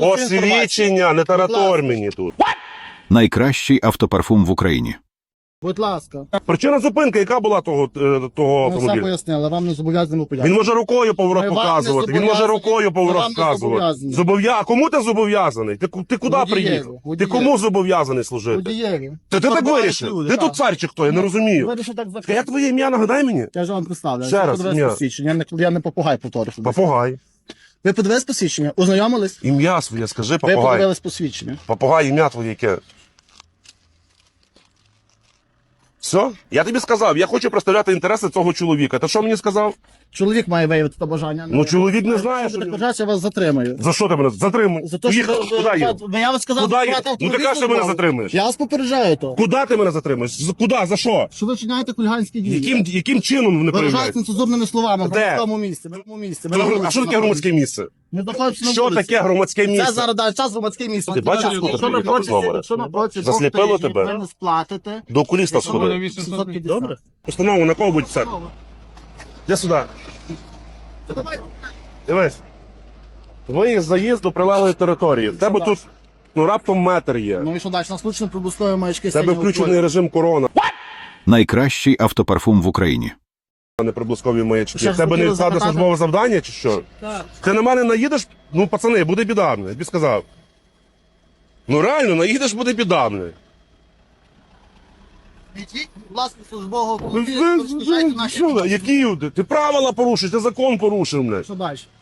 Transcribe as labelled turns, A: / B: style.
A: Посвідчення, не таратор мені тут.
B: Найкращий автопарфум в Україні.
C: Будь ласка.
A: Причина зупинки, яка була того
C: Ми все
A: автомобіля?
C: пояснили, вам не зобов'язані
A: Він
C: пояснити.
A: може рукою поворот
C: Ми вам не
A: показувати, він може
C: зобов'язані.
A: рукою поворот
C: Ми вам не
A: показувати.
C: зобов'язані.
A: А кому ти зобов'язаний? Ти куди
C: Водієві,
A: приїхав? Ти
C: водієві.
A: кому зобов'язаний служити?
C: Водієві.
A: Ти так
C: Нормальні
A: вирішив?
C: люди,
A: Ти
C: так.
A: тут цар чи хто? Я не розумію.
C: Вирішив так
A: Як
C: закрити.
A: твоє ім'я, нагадай мені?
C: Я ж вам представлю.
A: Ще раз,
C: Подивись
A: ні.
C: посвідчення. Я не попугай повторюю.
A: Попугай.
C: Ви подивились посвідчення? Ознайомились?
A: Ім'я своє, скажи,
C: Ви
A: попугай.
C: подивились посвідчення.
A: Попугай, ім'я твоє яке? Все? Я тобі сказав, я хочу представляти інтереси цього чоловіка. Ти що мені сказав?
C: Чоловік має виявити це бажання.
A: Ну, чоловік не знає,
C: Якщо
A: що
C: ви
A: він-
C: так вважаєте, я вас затримаю.
A: За що ти мене затримуєш?
C: За те, що
A: Куди їду?
C: я вас сказав,
A: Куди їду?
C: брати
A: Ну ти
C: автомобіль
A: кажеш, що мене
C: службовий.
A: затримуєш.
C: Я вас попереджаю то.
A: Куди ти мене затримуєш? Куди? За що?
C: Що ви вчиняєте хуліганські дії?
A: Яким чином вони
C: Виражаєте
A: проявляють?
C: нецензурними словами в
A: Де?
C: громадському місці. В громадському місці. Ми на вулиці
A: А що таке
C: знаходимося.
A: громадське місце?
C: Ми знаходимося на
A: Що
C: вулиці.
A: таке громадське
C: Це
A: місце?
C: зараз дай час громадське місце.
A: Ти бачив,
C: Якщо
A: скільки
C: на
A: приїхав знову?
C: якщо на протязі
A: Засліпило
C: двох тижнів
A: тебе?
C: ви не сплатите,
A: До окуліста сходи.
C: 750.
A: Добре? Постанову на кого будь це? Іди сюди. Дивись. Твоїх заїзд до прилеглої території. В тебе тут раптом метр є.
C: Ну і що далі? Нас включено прибускові маячки.
A: В тебе
C: синього
A: включений
C: кольору.
A: режим корона,
B: Найкращий автопарфум в Україні.
A: а не приблизкові маячки.
C: Ще
A: В тебе не
C: хотіли
A: відсадне
C: запитати?
A: службове завдання чи що?
C: Так.
A: Ти на мене наїдеш? Ну, пацани, буде біда мені, я тобі сказав. Ну реально, наїдеш, буде біда мені.
C: Ідіть, будь ласка, службового автомобіля, розпочайте наші
A: Що, які? Ти правила порушиш, ти закон порушив мене.
C: Що далі?